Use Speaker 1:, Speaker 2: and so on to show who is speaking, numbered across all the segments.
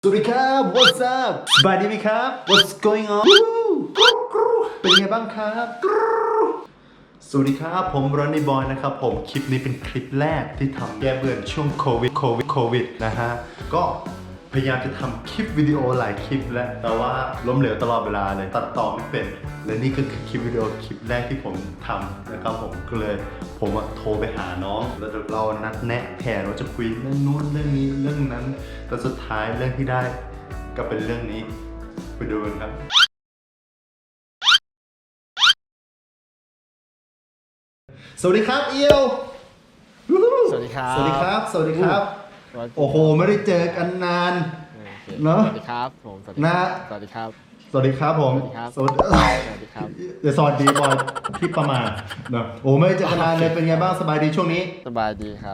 Speaker 1: สวัสดีครับ What's up สบายดีไหมครับ What's going on เป็นไงบ้างครับสวัสดีครับผมรอนนี่บอยนะครับผมคลิปนี้เป็นคลิปแรกที่ทำแก้เบื่อช่วงโควิดนะฮะก็พยายามจะทำคลิปวิดีโอหลายคลิปแล้วแต่ว่าล้มเหลวตลอดเวลาเลยตัดต่อไม่เป็นและนี่ก็คือคลิปวิดีโอคลิปแรกที่ผมทำนะครับผมก็เลยผมโทรไปหาน้องแล้วเรานัดแนะแผนว่าจะคุยเรื่องนู้นเรื่องนี้เรื่องนั้นแต่สุดท้ายเรื่องที่ได้ก็เป็นเรื่องนี้ไปดูกันครับสวัสดีครับเอียว
Speaker 2: สวัสดีครับ
Speaker 1: สวัสดีครับสวัสดีครับโอ้โหไม่ได้เจอกันนานเนาะ
Speaker 2: สวัสดีครับผมสวัสดี
Speaker 1: นะ
Speaker 2: สวัสดีครับ
Speaker 1: สวัสดีครับผม
Speaker 2: สวัสดีครับ
Speaker 1: สวัสดี
Speaker 2: สวัสดีครับ
Speaker 1: เดี๋ยวสวัสดีบอยพี่ประมาณเนาะโอ้ไม่ได้เจอกันนานเลยเป็นไงบ้างสบายดีช่วงนี้
Speaker 2: สบายดีครับ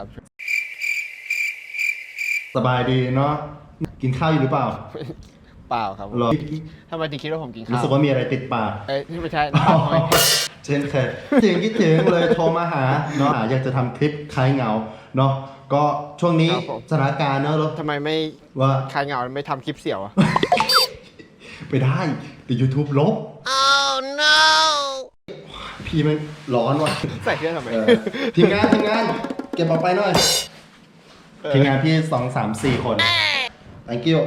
Speaker 1: สบายดีเนาะกินข้าวอยู่หรือเปล่า
Speaker 2: เปล่าครับ
Speaker 1: หรอ
Speaker 2: ทำไมถึงคิดว่าผมกินข้าว
Speaker 1: รู้สึกว่ามีอะไรติดปาก
Speaker 2: เอ้ยไม่ใช่
Speaker 1: เช่นเคยคิดถึงเลยโทรมาหาเนาะอยากจะทำคลิปคลายเหงาเนาะก็ช่วงนี้สถานการณ์เนาะ
Speaker 2: ทำไมไม่
Speaker 1: ว่า
Speaker 2: ใครเหงาไม่ทำคลิปเสี่ยวอะ
Speaker 1: ไปได้แต่ YouTube ลบ oh no พี่มันร้อนว่ะ
Speaker 2: ใส่เครื่องทำไม
Speaker 1: ทีมงานเก็บออกไปหน่อยทีมงานพี่2-3-4 คน thank you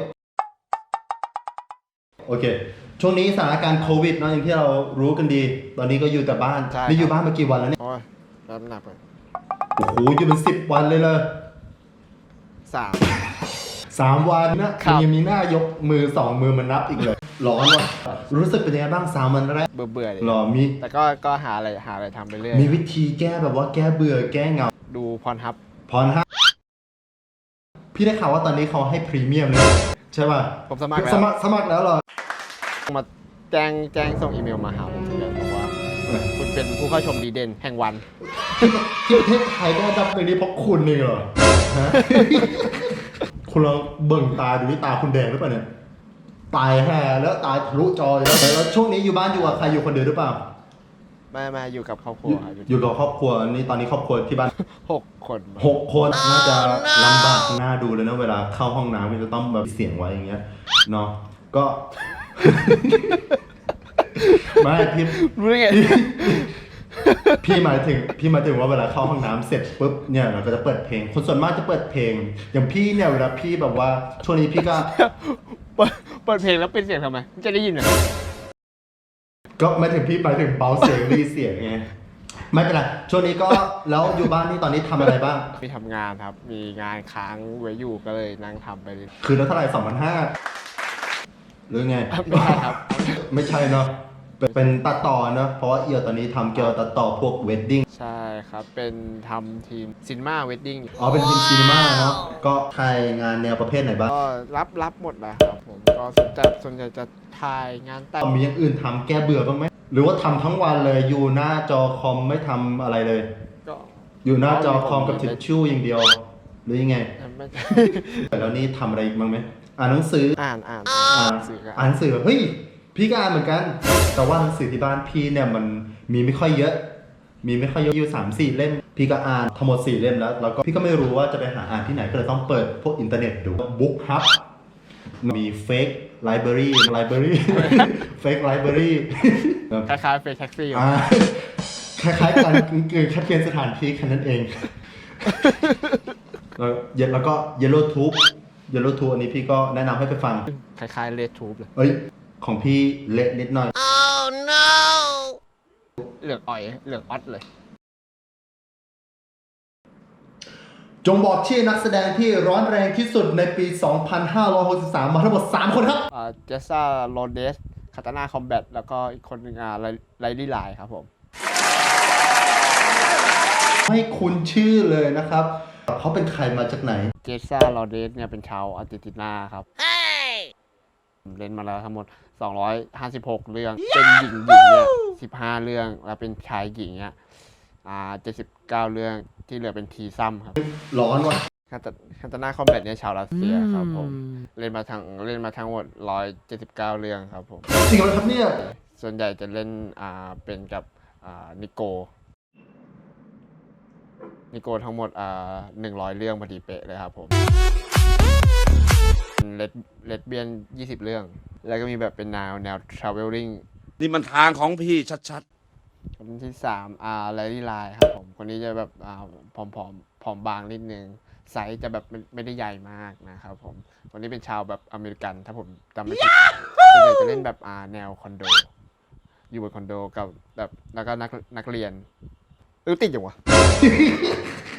Speaker 1: โอเคช่วงนี้สถานการณ์โควิดเนาะอย่างที่เรารู้กันดี ตอนนี้ก็อยู่แต่บ้าน
Speaker 2: ใช่
Speaker 1: นี่อยู่บ้านมากี่วันแล้วเนี่ย
Speaker 2: โอ้ยรับน้ำหนักไป
Speaker 1: โอ้โหอยู่เป็น10 วันเลย3 วันนะครับ ยังมีหน้ายกมือ2 มือมันนับอีกเลยร้อนว่ะรู้สึกเป็นยังไงบ้าง3 วันแรก
Speaker 2: เบื่อๆเลย
Speaker 1: หรอมี
Speaker 2: แต่ก็หาอะไรทำไปเรื่อย
Speaker 1: มีวิธีแก้แบบว่าแก้เบื่อแก้เหงา
Speaker 2: ดูพรฮับ
Speaker 1: พรฮะพี่ได้ข่าวว่าตอนนี้เขาให้พรีเมียมเลยใช่ป่ะ
Speaker 2: ผมสมัครแล้ว
Speaker 1: สมัครแล้วเหรอ
Speaker 2: มาแจ้งส่งอีเมลมาหาผมถึงเลยบอกว่าคุณเป็นผู้เข้าชมดีเด่นแห่งวัน
Speaker 1: ที่ประเทศไทยก็ดับในนี้เพราะคุณนี่เหรอฮะ คุณลองเบิ่งตาดูที่ตาคุณแดงหรือเปล่าเนี่ยตายแห่แล้วตายทะลุจอเลยแล้วช่วงนี้อยู่บ้านอยู่กับใครอยู่คนเดียวหรือเปล่า
Speaker 2: มาอยู่กับครอบครัวครับ
Speaker 1: อยู่กับครอบครัวนี่ตอนนี้ครอบครัวที่บ้าน
Speaker 2: 6 คน
Speaker 1: 6 คนน่าจะลำบากน่าดูเลยนะเวลาเข้าห้องน้ำมันจะต้องแบบเสียงไว้อย่างเงี้ยเนาะก็ ไม่พี่
Speaker 2: รู้ได้ไง
Speaker 1: พี่หมายถึงว่าเวลาเข้าห้องน้ำเสร็จปุ๊บเนี่ยเราก็จะเปิดเพลงคนส่วนมากจะเปิดเพลง อย่างพี่เนี่ยเวลาพี่แบบว่าช่วงนี้พี่ก็
Speaker 2: เปิดเพลงแล้วเป็นเสียงทำไมมันจะได้ยินเหรอ
Speaker 1: ก็ไม่ถึงพี่หมายถึงเบาเสียงรีเสียงไงไม่เป็นไรช่วงนี้ก็แล้วอยู่บ้านนี่ตอนนี้ทำอะไรบ้าง
Speaker 2: มีทำงานครับ มีงานค้างไว้อยู่ก็เลยนั่งทำไปเลย
Speaker 1: คืนละเท่าไหร่2,500หรือไง
Speaker 2: ไม่ใช่ครับ
Speaker 1: ไม่ใช่เนาะเป็นตัดต่อเนาะเพราะว่าเอียวตอนนี้ทำเกี่ยวกับตัดต่อพวกเวดดิ้ง
Speaker 2: ใช่ครับ เป็นทำทีมซินมาเวดดิ้ง
Speaker 1: อ๋อเป็นทีมซีนีมาเนาะก็ถ่ายงานแนวประเภทไหนบ้าง
Speaker 2: ก็รับหมดแหละครับผมก็ส่วนใหญ่จะถ่ายงานแต่ง
Speaker 1: มีอย่างอื่นทำแก้เบื่อบ้างไหมหรือว่าทำทั้งวันเลยอยู่หน้าจอคอมไม่ทำอะไรเลย
Speaker 2: ก็
Speaker 1: อยู่หน้าจอคอมกับทิชชู่อย่างเดียว หรือยังไง
Speaker 2: ไม่
Speaker 1: แล้วนี่ทำอะไรอีกบ้างไหมอ่านหนังสือ
Speaker 2: อ่าน
Speaker 1: อ่าน
Speaker 2: หนังสือกัน
Speaker 1: อ่านหนังสือเฮ้ยพี่ก็อ่านเหมือนกัน แต่ว่าหนังสือที่บ้านพี่เนี่ยมันมีไม่ค่อยเยอะ อยู่3-4 เล่มพี่ก็อ่านทั้งหมด4 เล่มแล้วก็พี่ก็ไม่รู้ว่าจะไปหาอ่านที่ไหนก็เลยต้องเปิดพวกอินเทอร์เน็ตดูบุ๊กฮับมีเฟกไลบรารีเฟกไลบรารี
Speaker 2: คล้ายๆเฟซแท็กซี่
Speaker 1: คล้ายๆกันคือแค่เปลี่ยนสถานที่แค่นั้นเอง แล้วก็เยลโล่ทูบอันนี้พี่ก็แนะนำให้ไปฟัง
Speaker 2: คล้ายๆเลดทูบเลย
Speaker 1: เอ้ย ของพี่เละนิดหน่อย
Speaker 2: เหลืองอ่อยเหลืองออดเลย
Speaker 1: จงบอกชื่อนักแสดงที่ร้อนแรงที่สุดในปี 2563 มาทั้งหมด 3 คนครับ
Speaker 2: เจสซ่าโรเดสคาตานาคอมแบทแล้วก็อีกคนหนึ่งไลลี่ไลน์ครับผม
Speaker 1: ให้คุณชื่อเลยนะครับ เขาเป็นใครมาจากไหน
Speaker 2: เจสซ่าโรเดสเนี่ยเป็นชาวอาร์เจนตินาครับเล่นมาแล้วทั้งหมด 256 เรื่อง เป็นหญิงเนี่ย15 เรื่อง แล้วเป็นชายหญิงเนี่ย79 เรื่องที่เหลือเป็นทีซัมครับ
Speaker 1: ร้อนว่ะ
Speaker 2: คาตานาคอมแบทเนี่ยชาวรัสเซียครับผมเล่นมาทั้งหมด 179 เรื่องครับผม
Speaker 1: จริงไหมครับเนี่ย
Speaker 2: ส่วนใหญ่จะเล่นเป็นกับนิโกทั้งหมด100 เรื่องพอดีเป๊ะเลยครับผมเลดเบียน20 เรื่อง แล้วก็มีแบบเป็นแนว traveling
Speaker 3: นี่มันทางของพี่ชัด
Speaker 2: คนที่3แลลี่ไลน์ครับผมคนนี้จะแบบผอมบางนิดนึงไซส์จะแบบไม่ได้ใหญ่มากนะครับผมคนนี้เป็นชาวแบบอเมริกันถ้าผมจำไม่ผิดส่วนใหญ่จะเล่นแบบแนวคอนโดอยู่บนคอนโดกับแบบแล้วก็นักเรียนติดอยู่วะ